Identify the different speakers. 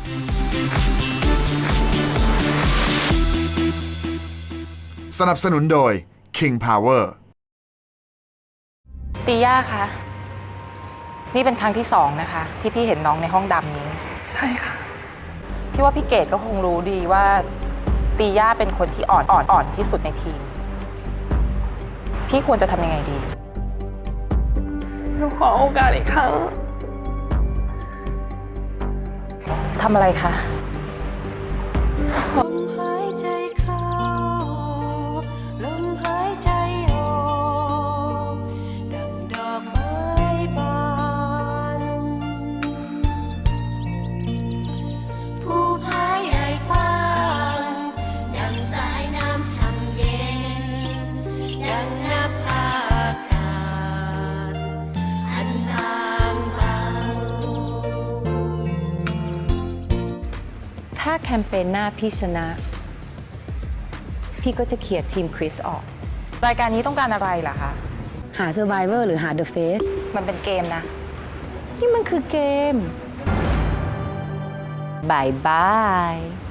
Speaker 1: สนับสนุนโดย King Power
Speaker 2: ตีย่าคะ นี่เป็นครั้งที่2นะคะที่พี่เห็นน้องในห้องดำนี้
Speaker 3: ใช่ค่ะ
Speaker 2: พี่ว่าพี่เกดก็คงรู้ดีว่าตีย่าเป็นคนที่อ่อนที่สุดในทีม พี่ควรจะทำยังไงดี
Speaker 3: หนูขอโอกาสอีกครั้ง
Speaker 2: ทำอะไรคะ
Speaker 4: ลมหายใจเข้าลมหายใจออกดังดอกไม้บานภูผาใหญ่กว้างดังสายน้ำช่ำเย็นดังนภาอากาศอันบางเบา
Speaker 5: ถ้าแคมเปญหน้าพี่ชนะ พี่ก็จะเขียดทีมคริสออก
Speaker 2: รายการนี้ต้องการอะไรล่ะคะ
Speaker 5: หา Survivor หรือหา The Face
Speaker 2: มันเป็นเกมนะ
Speaker 5: นี่มันคือเกมบายบาย